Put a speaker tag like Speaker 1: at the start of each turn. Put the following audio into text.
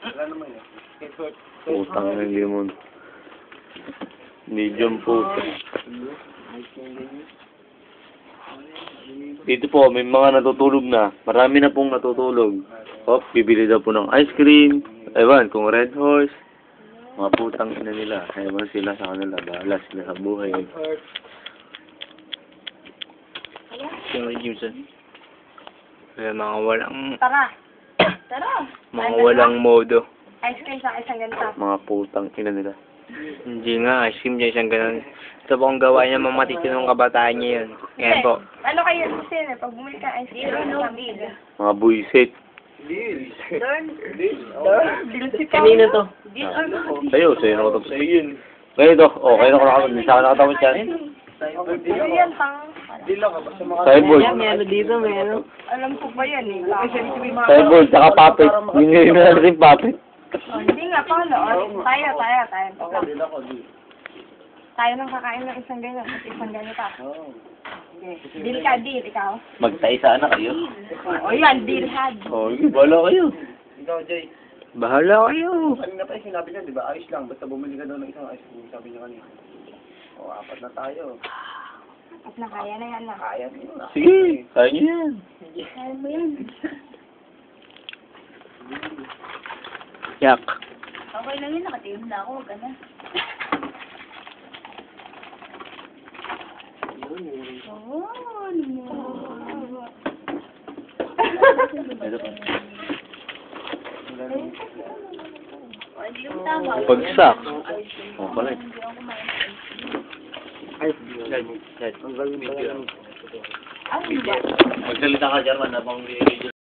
Speaker 1: Putang ng limon. Medium po. Dito po, may mga natutulog na. Marami na pong natutulog. Hop, bibili daw po ng ice cream. Ewan, kung Red Horse. Mga putang ina nila. Ewan sila sa kanila. Bahala sila sa buhay.
Speaker 2: Yung Jimson. Kaya mga walang...
Speaker 3: Tara. Tara.
Speaker 2: Mga walang modo.
Speaker 3: Ice cream sa isang ganito.
Speaker 1: Mga putang ina nila.
Speaker 2: Hindi nga, ice cream dyan isang ganun. Ito po ang gawa niya, mga matitinong kabataan niya yun. Kaya po.
Speaker 3: Ano kayo sin pag bumili ka ice cream? No deal.
Speaker 1: Mga buisit.
Speaker 3: Deal si Pao.
Speaker 2: Kanina to.
Speaker 3: Deal or no deal?
Speaker 1: Sa'yo, sa'yo nakatapos. Sa'yo yun. Ngayon to. O, kayo nakatapos. Saan nakatapos yan?
Speaker 3: Ano yan, pang...
Speaker 1: Cyborg.
Speaker 2: Ano dito, may ano?
Speaker 3: Alam ko ba yan eh.
Speaker 1: Cyborg, saka puppet. Hindi na natin puppet.
Speaker 3: Oh, hindi nga, paano? Tayo. Tayo nang kakain ng isang ganyan at isang ganito. Okay. Deal ka, deal. Ikaw?
Speaker 1: Magtaisa na kayo.
Speaker 3: O yan, deal had.
Speaker 1: O, bala kayo.
Speaker 4: Ikaw, Jay.
Speaker 2: Bahala kayo.
Speaker 4: Kanina pa yung sinabi niya, di ba? Ayos lang. Basta bumili ka daw ng isang ice cream. Sabi niya kanina. O, 4 na tayo.
Speaker 3: At na, kaya na yan na.
Speaker 4: Kaya niyo na.
Speaker 1: Sige, kaya niyo yan.
Speaker 3: Kaya mo yan.
Speaker 2: Yak.
Speaker 3: Okay lang yun, nakatim na ako. Huwag ka na. Oo,
Speaker 1: Ito pa.
Speaker 3: hindi yung tama.
Speaker 1: Pagsak. O, pala.
Speaker 2: Ay, dad.
Speaker 3: Ano ba?
Speaker 1: Magsalita ka, German, habang